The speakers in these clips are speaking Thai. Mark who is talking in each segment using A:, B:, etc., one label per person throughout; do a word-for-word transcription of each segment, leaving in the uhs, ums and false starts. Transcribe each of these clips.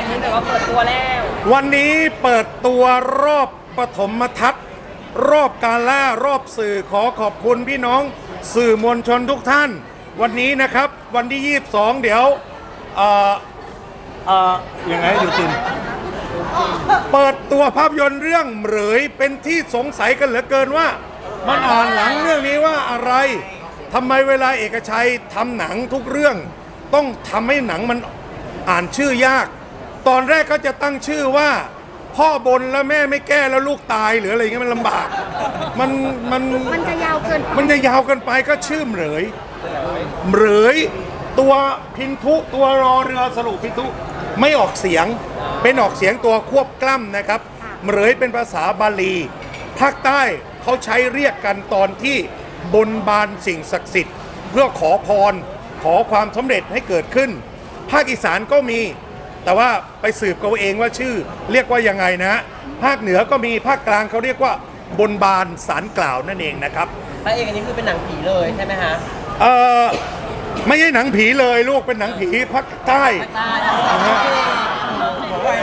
A: นี้แต่ว่าเปิดตัวแล้ว
B: วันนี้เปิดตัวรอบปฐมทัศน์รอบกาล่ารอบสื่อขอขอบคุณพี่น้องสื่อมวลชนทุกท่าน วันนี้นะครับวันที่ยี่สิบสองเดี๋ยวเอ่อเอ่อยังไงอยู่จินเปิดตัวภาพยนตร์เรื่องเหรยเป็นที่สงสัยกันเหลือเกินว่ามันอ่านหลังเรื่องนี้ว่าอะไรทำไมเวลาเอกชัยทำหนังทุกเรื่องต้องทำให้หนังมันอ่านชื่อยากตอนแรกก็จะตั้งชื่อว่าพ่อบนแล้วแม่ไม่แก้แล้วลูกตายหรืออะไรเงี้ยมันลำบากมันมัน
C: มันจะยาวเกิน
B: มันจะยาวเกินไปก็ชื่อเหรยเหรยตัวพินทุตัวรอเรือสรุปพินทุไม่ออกเสียงเป็นออกเสียงตัวควบกล้ำนะครับเหรยเป็นภาษาบาลีภาคใต้เขาใช้เรียกกันตอนที่บนบานสิ่งศักดิ์สิทธิ์เพื่อขอพรขอความสำเร็จให้เกิดขึ้นภาคอีสานก็มีแต่ว่าไปสืบเขาเองว่าชื่อเรียกว่ายังไงนะภาคเหนือก็มีภาคกลางเขาเรียกว่าบนบานสารกล่าวนั่นเองนะครับ
A: พระเอกอันนี้คือเป็นหนังผีเลยใช่ไหมฮะ
B: เออไม่ใช่หนังผีเลยลูกเป็นหนังผีภาคใต้
A: บอกว่า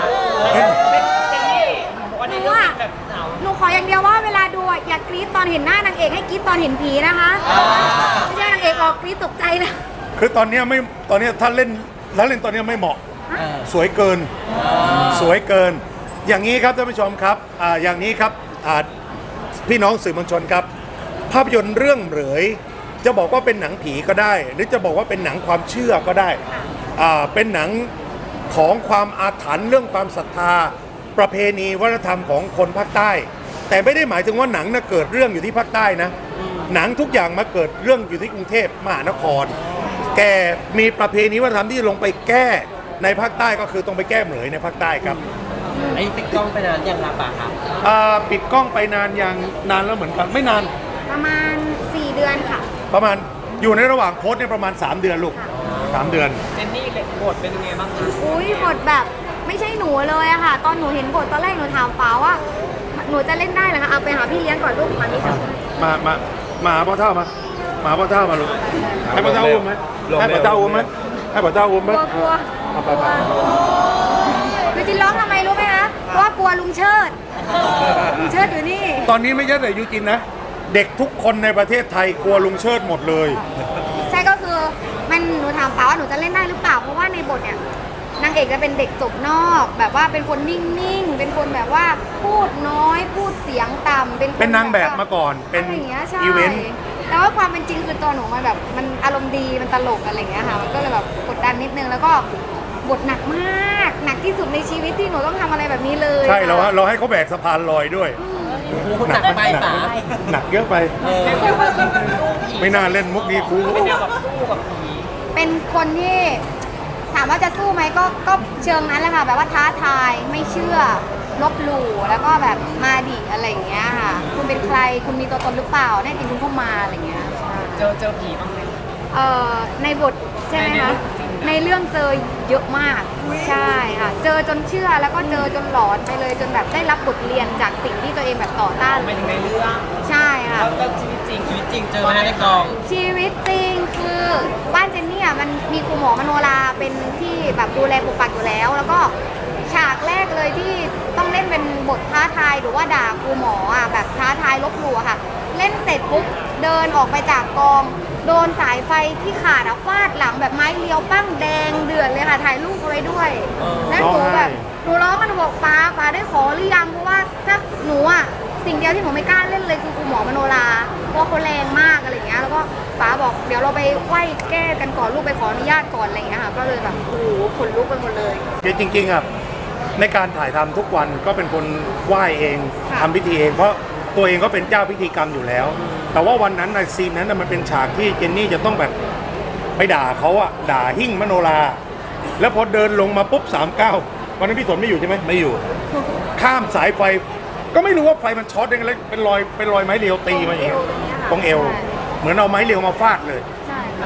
A: วันนี้ก็แบบสาว
C: หนูขออย่างเดียวว่าเวลาดูอย่ากรี๊ดตอนเห็นหน้านางเอกให้กรี๊ดตอนเห็นผีนะคะไม่ใช่นางเอกออกกรี๊ดตกใจนะ
B: คือตอนนี้ไม่ตอนนี้ถ้าเล่นแล้วเล่นตอนนี้ไม่เหมาะสวยเกินสวยเกินอย่างนี้ครับท่านผู้ชมครับอ่าอย่างนี้ครับอ่าพี่น้องสื่อมวลชนครับภาพยนตร์เรื่องเหรยจะบอกว่าเป็นหนังผีก็ได้ หรือจะบอกว่าเป็นหนังความเชื่อก็ได้อ่าเป็นหนังของความอาถรรพ์เรื่องความศรัทธาประเพณีวัฒนธรรมของคนภาคใต้แต่ไม่ได้หมายถึงว่าหนังน่ะเกิดเรื่องอยู่ที่ภาคใต้นะหนังทุกอย่างมาเกิดเรื่องอยู่ที่กรุงเทพมหานครแกมีประเพณีวัฒนธรรมที่ลงไปแก้ในภาคใต้ก็คือต้องไปแก้เหมยในภาคใต้ครับ
A: ไอ้ปิดกล้องไปนานยังครับป่ะครับ
B: ปิดกล้องไปนานยังนานแล้วเหมือนกันไม่นาน
C: ประมาณสี่เดือนค่ะ
B: ประมาณอยู่ในระหว่างโค้ดเนี่ยประมาณสามเดือนลูกสามเดือน
A: เจนนี่บทเป็นยังไงบ้างคะ
C: อุ้ยบทแบบไม่ใช่หนูเลยอะค่ะตอนหนูเห็นบทตอนแรกหนูถามป๋าว่าหนูจะเล่นได้เหรอคะเอาไปหาพี่เลี้ยงก่อนลูกมานี่ค่ะ
B: มามามาหาพ่อเท่ามามาพ่อเท่ามาลูกให้พ่อเท่าอุ้มไหมให้พ่อเท่าอุ้มไหมให้พ่อเท่าอุ้มไหม
C: กลัวกลัวหนูจินร้องทำไมรู้ไหมคะเพราะว่ากลัวลุงเชิดลุงเชิดอยู่นี่
B: ตอนนี้ไม่ใช่แต่ยูจินนะเด็กทุกคนในประเทศไทยกลัวลุงเชิดหมดเลย
C: ใช่ก็คือมันหนูถามป๋าว่าหนูจะเล่นได้หรือเปล่าเพราะว่าในบทเนี่ยนางเอกจะเป็นเด็กจบนอกแบบว่าเป็นคนนิ่งๆเป็นคนแบบว่าพูดน้อยพูดเสียงต่ำเป็น
B: เป็นนางแบบมาก่อนเป็นอีเวนต์
C: แต่ว่าความเป็นจริงคือตัวหนูมันแบบมันอารมณ์ดีมันตลกอะไรอย่างเงี้ยค่ะมันก็เลยแบบกดดันนิดนึงแล้วก็บทหนักมากหนักที่สุดในชีวิตที่หนูต้องทำอะไรแบบนี้เลย
B: ใช่เราเราให้เขาแบกสะพานลอยด้วย
A: หนักไปป๋า
B: หนักเยอะไปไม่น่าเล่นมุกนี้ครู
A: เป็นแนวแบบสู้กับผี
C: เป็นคนที่ถามว่าจะสู้ไหมก็ก็เชิงนั้นแหละค่ะแบบว่าท้าทายไม่เชื่อลบหลู่แล้วก็แบบมาดิอะไรอย่างเงี้ยค่ะคุณเป็นใครคุณมีตัวตนหรือเปล่าแน่จริงคุณเข้ามาอะไรเงี้ย
A: เจอเจอผีบ้างไหม
C: เอ่อในบทใช่ไหมคะในเรื่องเจอเยอะมากใช่ค่ะเจอจนเชื่อแล้วก็เจอจนหลอนไปเลยจนแบบได้รับบทเรียนจากสิ่งที่ตัวเองแบบต่อต้าน
A: ไม่ถึงในเรื่อง
C: ใช่ค่ะ
A: แล้วชีวิตจริงชีวิตจริงเจอมาในกอง
C: ชีวิตจริงคือบ้านเจนนี่อ่ะมันมีครูหมอมโนราเป็นที่แบบดูแลปกปักอยู่แล้วแล้วก็ฉากแรกเลยที่ต้องเล่นเป็นบทท้าทายหรือว่าด่าครูหมออ่ะแบบท้าทายลบหลู่ค่ะเล่นเสร็จปุ๊บเดินออกไปจากกองโดนสายไฟที่ขาดอะฟาดหลังแบบไม้เลี้ยวปั้งแดงเดือดเลยค่ะถ่ายรูปเอาไว้ด้วยแล้วหนูแบบหนูร้องกันบอกป้าป้าได้ขอหรือยังเพราะว่าถ้าหนูอะสิ่งเดียวที่หนูไม่กล้าเล่นเลยคือครูหมอมโนราเพราะเขาแรงมากอะไรอย่างเงี้ยแล้วก็ป้าบอกเดี๋ยวเราไปไหว้แก้กันก่อนลูกไปขออนุญาตก่อนอะไรอย่างเงี้ยค่ะก็เลยแบบโอ้โหขนลุกไปหมดเลย
B: จริงๆอ่ะในการถ่ายทำทุกวันก็เป็นคนไหว้เองทำพิธีเองเพราะตัวเองก็เป็นเจ้าพิธีกรรมอยู่แล้วแต่ว่าวันนั้นในซีนนั้นมันเป็นฉากที่เจนนี่จะต้องแบบไปด่าเขาอะด่าหิ้งมโนราแล้วพอเดินลงมาปุ๊บสามเก้าวันนั้นพี่สนไม่อยู่ใช่ไหมไม่อยู่ข้ามสายไฟก็ไม่รู้ว่าไฟมันช็อตยังไงเป็นรอยเป็นรอยไม้เรียวตีมาอย่างเงี้ยตรงเอวเหมือนเอาไม้เรียวมาฟาดเลย
C: ใช่ค่ะ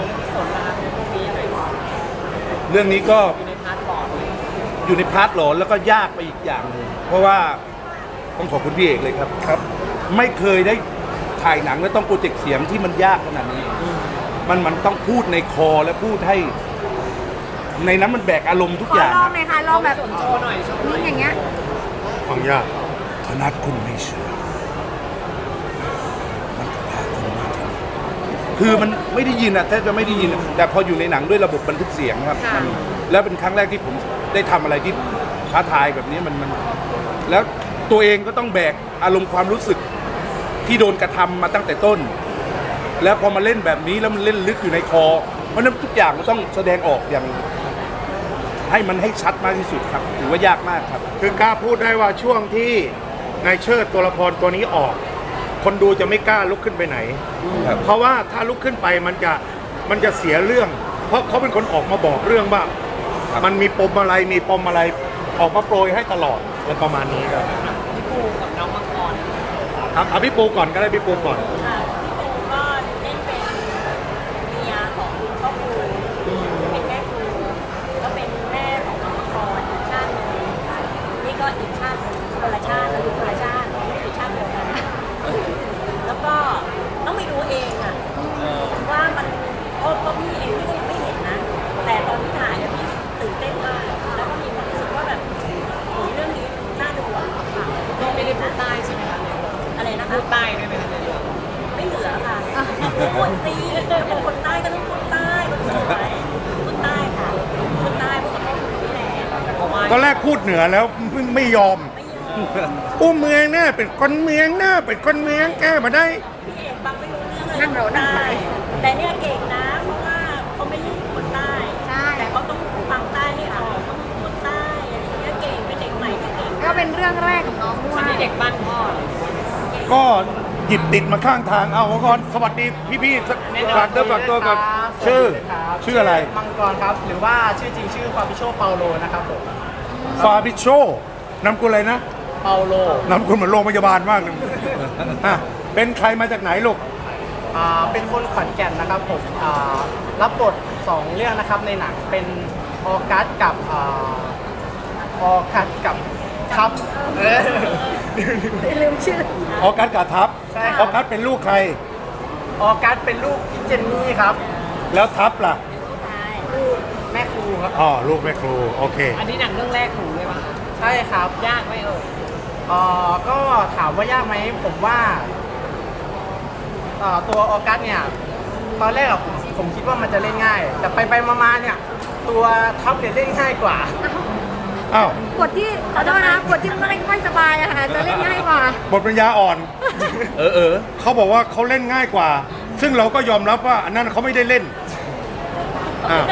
D: เรื่องนี้ก็อยู่ในพาร์ทหลอนแล้วก็ยากไปอีกอย่างนึงเพราะว่าต้องขอบคุณพี่เอกเลยครับครับไม่เคยได้ถ่ายหนังแล้วต้องโปรเจกต์เสียงที่มันยากขนาดนี้มันมันต้องพูดในคอและพูดให้ในนั้นมันแบกอารมณ์ทุก
C: ขอ
D: อย่าง
C: ลองหน่อยค่ะลองแบบ
A: โชว์หน่อยโชว์หน่
C: นี่
A: อย
C: อย่างเงี้ย
B: ฟังยาก
D: ธนัทคุณไม่เชื่อมันจะพาคุณมาที่นี่คือมันไม่ได้ยินอะแทบจะไม่ได้ยินอะแต่พออยู่ในหนังด้วยระบบบันทึกเสียงครับ
C: ค่ะ
D: มันแล้วเป็นครั้งแรกที่ผมได้ทำอะไรที่ท้าทายแบบนี้มันมันแล้วตัวเองก็ต้องแบกอารมณ์ความรู้สึกที่โดนกระทำมาตั้งแต่ต้น แล้วพอมาเล่นแบบนี้แล้วมันเล่นลึกอยู่ในคอ เพราะฉะนั้นทุกอย่างมันต้องแสดงออกอย่าง ให้มันให้ชัดมากที่สุดครับถือว่ายากมากครับ
B: คือกล้าพูดได้ว่าช่วงที่นายเชิดตัวละครตัวนี้ออก คนดูจะไม่กล้าลุกขึ้นไปไหน
D: ครับ
B: เพราะว่าถ้าลุกขึ้นไปมันจะมันจะเสียเรื่อง เพราะเขาเป็นคนออกมาบอกเรื่องว่า มันมีปมอะไรมีปมอะไรออกมาโปรยให้ตลอดอะไรประมาณนี้ครับ
A: พี่ปูกับน้องมังกร
B: ครับเอาพี่ปูก่อนก็ได้พี่ปูก่อน
E: ค่ะพี่ปูก็เล่นเป็นเมียของพ่อครูเป็นแม่ครูก็เป็นแม่ของน้องมังกรอีกชาติหนึ่งนี่ก็อีกชาติหนึ่งคนละชาติแล้วคนละชาติไม่ใช่ชาติเดียวกันแล้วก็ต้องไปดูเองอะว่ามันเพราะเพราะพี่เองพี่ก็ยังไม่เห็นนะ แต่ตอนที่ถ่ายเนี่ยพี่ตื่นเต้นมากแล้วก็มีความรู้สึกว่าแบบโอ้ยเรื่องนี้น่าดูอ่ะค่ะ
A: พี่ไม่ได้พูดใต้ใช่ไหมคะในเรื่อง
E: อะไรนะคะ
A: พูดใต้ด้วยไหมคะในเรื่อง
E: ไม่เหลือค่ะพูดซีเป็นคนใต้ก็ต้องพูดใต้คนสวยพูดใต้ค่ะพูดใต้พูดกับพ่อคุณนี่แหละ
A: แต่ก็ว่า
B: ตอนแรกพูดเหนือแล้วไม่ไม่ยอม
E: ไม่ยอม
B: อู้เมืองน่ะเป็นคนเมืองน่ะเป็นคนเมืองแก้มาได้
E: พี่เอกฟังไม่รู้เรื่องเลย
C: นั่งเรานั่ง
E: ใต้แต่เนี่ยเก่งนะเพราะว่าเขาไม่ใช่คนใต้
C: ใช่
E: แต่เขาต้องฟังใต้ให้ออกต้องพูดใต้อะไรอย่างเงี้ยเก่งเป็นเด็กใหม่ที่เก่ง
C: ก็เป็นเรื่องแรกของน้องด้ว
A: อัน
C: ย
A: นี้เด็กบ้านพ่อ
B: ก็หยิบติดมาข้างทางเอาก่อนสวัสดีพี่ๆฝากเนื้อฝากตัวกับชื่อชื่ออะไร
F: มังกรครับ หรือว่าชื่อจริงชื่อฟาบิโชเปาโลนะครับผม
B: ฟาบิโชนำกุลอะไรนะ
F: เปาโล
B: นำกุลเหมือนโรงพยาบาลมากเลยอ่ะเป็นใครมาจากไหนลูก
F: อ่าเป็นคนขอนแก่นนะครับผมอ่ารับบทสองเรื่องนะครับในหนังเป็นออกัสกับอ่าออกัสกับทับเออ
C: ลืมชื่อ
B: ออกัสกาทับ
F: ใช่ครับ
B: ออกัสเป็นลูกใคร
F: ออกัสเป็นลูกพี่เจนนี่ครับ
B: แล้วทับล่ะ
F: ลูกแม่ครูครับ
B: อ๋อลูกแม่ครูโอเค
A: อันนี้หนังเรื่องแรกถูกเลยป่ะ
F: ใช่ครับ
A: ยากไหมเอ่ย
F: เอ่อก็ถามว่ายากไหมผมว่าเอ่อตัวออกัสเนี่ยตอนแรกอะผมผมคิดว่ามันจะเล่นง่าย แต่ไปไปๆมาๆเนี่ยตัวทับเนี่ยเล่นง่ายกว่า
B: อ้าว
C: บทที่ขอโทษนะบทที่ไม่ค่อยสบายอะค่ะจะเล่นง่ายกว่า
B: บทปัญญาอ่อน
D: เออเออ
B: เขาบอกว่าเขาเล่นง่ายกว่า ซึ่งเราก็ยอมรับว่าอันนั้นเขาไม่ได้เล่นอ้าว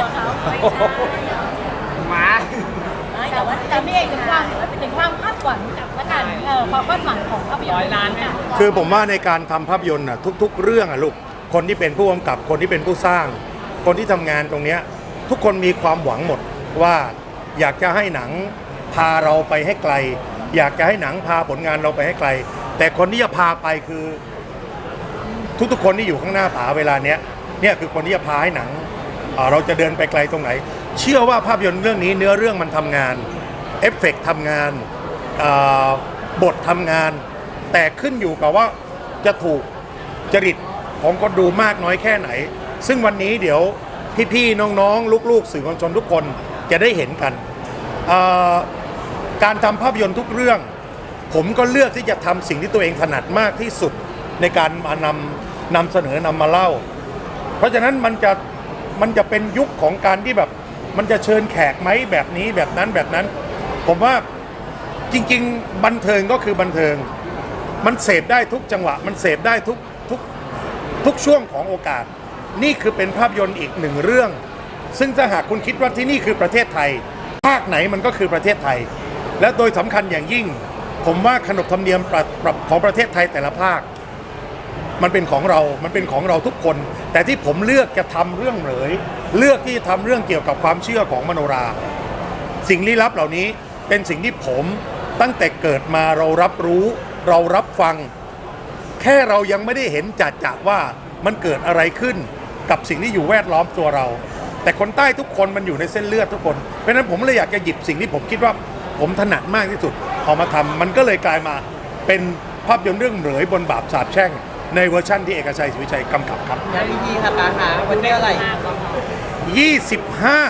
F: มา
E: แต่ว่าแต่ไม่เอกถึงความถึงความคาดหวังจากละกันเออความคาดหวังของภาพยนตร์
A: ร้อยล้านไหม
B: คือผมว่าในการทำภาพยนตร์อ่ะทุก ๆ เรื่องอ่ะลูกคนที่เป็นผู้กำกับคนที่เป็นผู้สร้าง คนที่ทำงานตรงเนี้ยทุกคนมีความหวังหมดว่าอยากจะให้หนังพาเราไปให้ไกล อยากจะให้หนังพาผลงานเราไปให้ไกล แต่คนที่จะพาไปคือ ทุกๆคนที่อยู่ข้างหน้าผาเวลาเนี้ยเนี่ยคือคนที่จะพาให้หนังเอ่อเราจะเดินไปไกลตรงไหน เชื่อว่าภาพยนตร์เรื่องนี้เนื้อเรื่องมันทำงานเอฟเฟกต์ทำงานเอ่อบททำงาน แต่ขึ้นอยู่กับว่าจะถูกจริตของคนดูมากน้อยแค่ไหน ซึ่งวันนี้เดี๋ยวพี่ๆน้องๆลูกๆสื่อมวลชนทุกคนจะได้เห็นกันเอ่อการทำภาพยนตร์ทุกเรื่อง ผมก็เลือกที่จะทำสิ่งที่ตัวเองถนัดมากที่สุดในการมานำนำเสนอนำมาเล่า เพราะฉะนั้นมันจะมันจะเป็นยุคของการที่แบบมันจะเชิญแขกไหมแบบนี้แบบนั้นแบบนั้น ผมว่าจริงๆบันเทิงก็คือบันเทิง มันเสพได้ทุกจังหวะ มันเสพได้ทุกทุกทุกช่วงของโอกาส นี่คือเป็นภาพยนตร์อีกหนึ่งเรื่อง ซึ่งถ้าหากคุณคิดว่าที่นี่คือประเทศไทย ภาคไหนมันก็คือประเทศไทย และโดยสำคัญอย่างยิ่ง ผมว่าขนบธรรมเนียมประประของประเทศไทยแต่ละภาค มันเป็นของเรา มันเป็นของเราทุกคน แต่ที่ผมเลือกจะทำเรื่องเหลย เลือกที่จะทำเรื่องเกี่ยวกับความเชื่อของมโนรา สิ่งลี้ลับเหล่านี้เป็นสิ่งที่ผมตั้งแต่เกิดมาเรารับรู้ เรารับฟัง แค่เรายังไม่ได้เห็นจัดจัว่ามันเกิดอะไรขึ้นกับสิ่งที่อยู่แวดล้อมตัวเรา แต่คนใต้ทุกคนมันอยู่ในเส้นเลือดทุกคน เพราะฉะนั้นผมเลยอยากจะหยิบสิ่งที่ผมคิดว่าผมถนัดมากที่สุดเอามาทำมันก็เลยกลายมาเป็นภาพยนตร์เรื่องเหลยบนบาปสาปแช่งในเวอร์ชั่นที่เอกชัยศรีวิชัยกำกับครับ
A: ย้ายพี่ค่ะตาหาวันที่เท่าไหร่
B: ยี่สิบห้า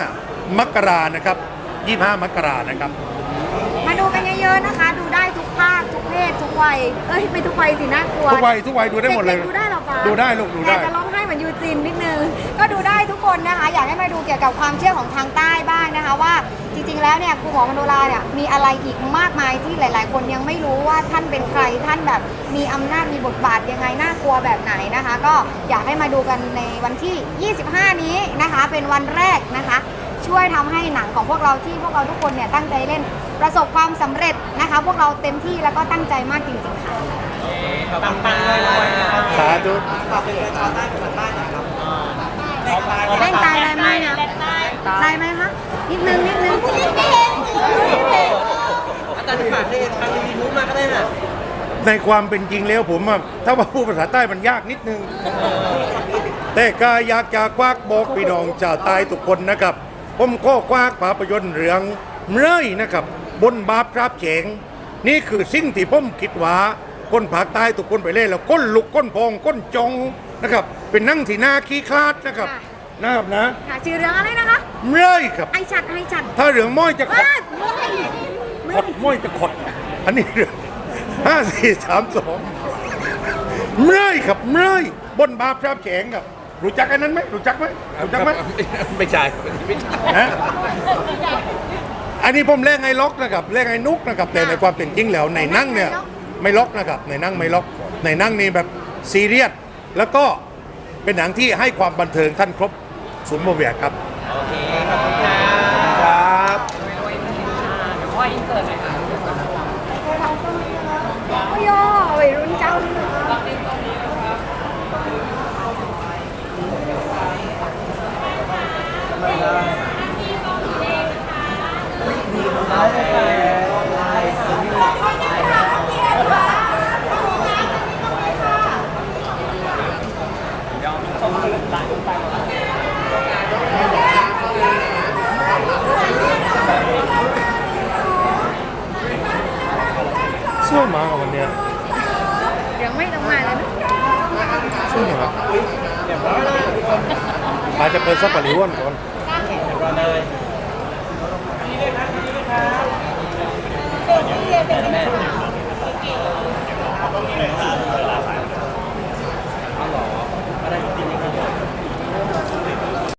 B: มกรานะครับยี่สิบห้ามกรานะครับ
C: มาดูกันเยอะๆนะคะ ดูได้ทุกภาคทุกเพศทุกวัยเอ้ยไม่ทุกวัยสิน่ากลัว
B: ทุกวัยทุกวัยดูได้หมดเลย
C: กๆดูได้เหรอปะ
B: ดูได้ลูกดูได้
C: อยากจะร้องไห้เหมือนยูจินนิดนึงก็ดูได้ทุกคนนะคะ อยากให้มาดูเกี่ยวกับความเชื่อของทางใต้บ้างนะคะ ว่าจริงๆแล้วเนี่ยครูหมอมโนราเนี่ยมีอะไรอีกมากมายที่หลาย ๆ คนยังไม่รู้ว่าท่านเป็นใครท่านแบบมีอำนาจมีบทบาทยังไงน่ากลัวแบบไหนนะคะ ก็อยากให้มาดูกันในวันที่ ยี่สิบห้า นี้นะคะ เป็นวันแรกนะคะ ช่วยทำให้หนังของพวกเราที่พวกเราทุกคนเนี่ยตั้งใจเล่นประสบความสำเร็จนะคะ พวกเราเต็มที่แล้วก็ตั้งใจมากจริงๆค่ะ
A: ปังๆเลยเลยนะครับ
B: สาธุ
A: ฝากเป็นชาวใต้ภาษาใต้หน่อยครับ
C: เล่นตายได้ไหมนะได้ไหมคะนิดนึงนิดนึงไม่เห็นไม่เห็น
A: อาจารย์ฝากให้ทางยูทูบมาก็ได้นะ
B: ในความเป็นจริงแล้วผมอะถ้าว่าพูดภาษาใต้มันยากนิดนึง แต่ก็อยากจะควักบอกพี่น้องชาวใต้ทุกคนนะครับ ผมก็ควักภาพยนตร์เรื่องเมื่อยนะครับ บนบาปครับเฉงนี่คือสิ่งที่ผมคิดว่าคนภาคใต้ทุกคนไปเล่นแล้วก้นลุกก้นพองก้นจองนะครับ เป็นนั่งที่หน้าขี้คลาดนะครับนะครับนะ
C: ค่ะชื่อเรื่องอะไรนะคะ
B: เมื่อยครับ
C: ไอชัดไอชัด
B: ถ้าเรื่องม้อยจะขด
C: ว้ายไม่
B: ขดม้อยจะขด อันนี้เรื่องห้าสี่สามสองเมื่อยครับเมื่อยบนบาปครับเฉงครับรู้จักอันนั้นไหมรู้จักไหมรู้จักไหม
D: ไม่ใช่ไม่ใช่
B: นะอันนี้ผมเล่นไงล็อกนะครับเล่นไงนุกนะครับแต่ในความเป็นจริงแล้วในนั่งเนี่ยไม่ล็อกนะครับในนั่งไม่ล็อกในนั่งนี่แบบซีเรียสแล้วก็เป็นหนังที่ให้ความบันเทิงท่านครบศูนย์โมเวียครับ
A: โอเค ขอบคุณค่ะ
D: ครับ
A: รวยๆมีชาเดี๋ยวพ่ออินเสิร์ตหน่อยค่ะ
C: โอ้ยวัยรุ่นเจ้า
B: สวยมากวันเนี้ย
C: ยังไม่ต้องมาเลยนะ
B: สวยมากอาจจะเปิดซับปะริวันก่อน